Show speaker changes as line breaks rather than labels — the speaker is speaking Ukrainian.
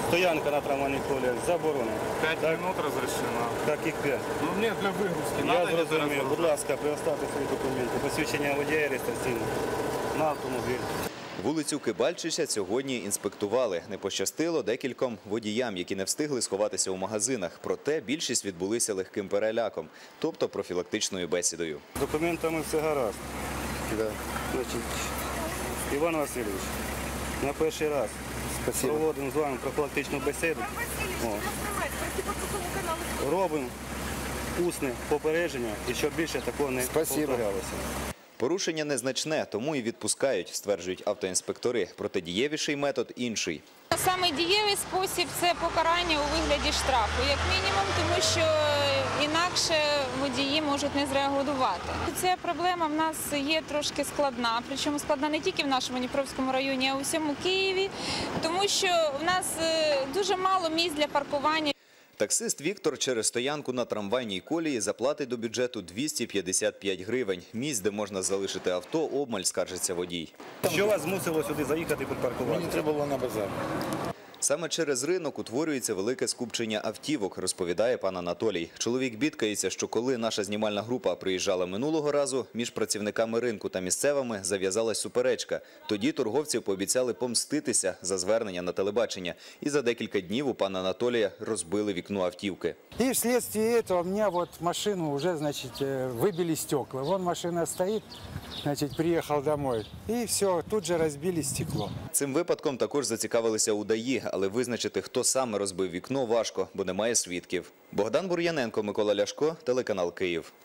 Стоянка на трамвайних коліях заборонена.
5 минут разрешено.
Так і 5.
Ну нет, для выгрузки.
Я
Надо ли
зрозумів.
это
Будь ласка, предоставте свої документи. Посвідчення водія реєстраційне на автомобіль.
Вулицю Кибальчича сьогодні інспектували. Не пощастило декільком водіям, які не встигли сховатися у магазинах. Проте більшість відбулися легким переляком, тобто профілактичною бесідою.
З документами все гаразд. Значить, Іван Васильович, на перший раз проводимо з вами профілактичну бесіду. Робимо усне попередження і щоб більше такого не повторялося.
Порушення незначне, тому і відпускають, стверджують автоінспектори. Проте дієвіший метод інший.
Саме дієвий спосіб – це покарання у вигляді штрафу, як мінімум, тому що інакше водії можуть не зреагувати. Ця проблема в нас є трошки складна, причому складна не тільки в нашому Дніпровському районі, а у всьому Києві, тому що в нас дуже мало місць для паркування.
Таксист Віктор через стоянку на трамвайній колії заплатить до бюджету 255 гривень. Місць, де можна залишити авто, обмаль, скаржиться водій.
Що вас змусило сюди заїхати і припаркувати?
Мені треба було на базар.
Саме через ринок утворюється велике скупчення автівок, розповідає пан Анатолій. Чоловік бідкається, що коли наша знімальна група приїжджала минулого разу, між працівниками ринку та місцевими зав'язалась суперечка. Тоді торговці пообіцяли помститися за звернення на телебачення. І за декілька днів у пана Анатолія розбили вікно автівки.
И вследствие этого мне вот машину уже, значит, выбили стекла. Вон машина стоит, значит, приехал домой. И все, тут же разбили стекло.
Цим випадком також зацікавилися у ДАІ, але визначити, хто саме розбив вікно, важко, бо немає свідків. Богдан Бур'яненко, Микола Ляшко, телеканал «Київ».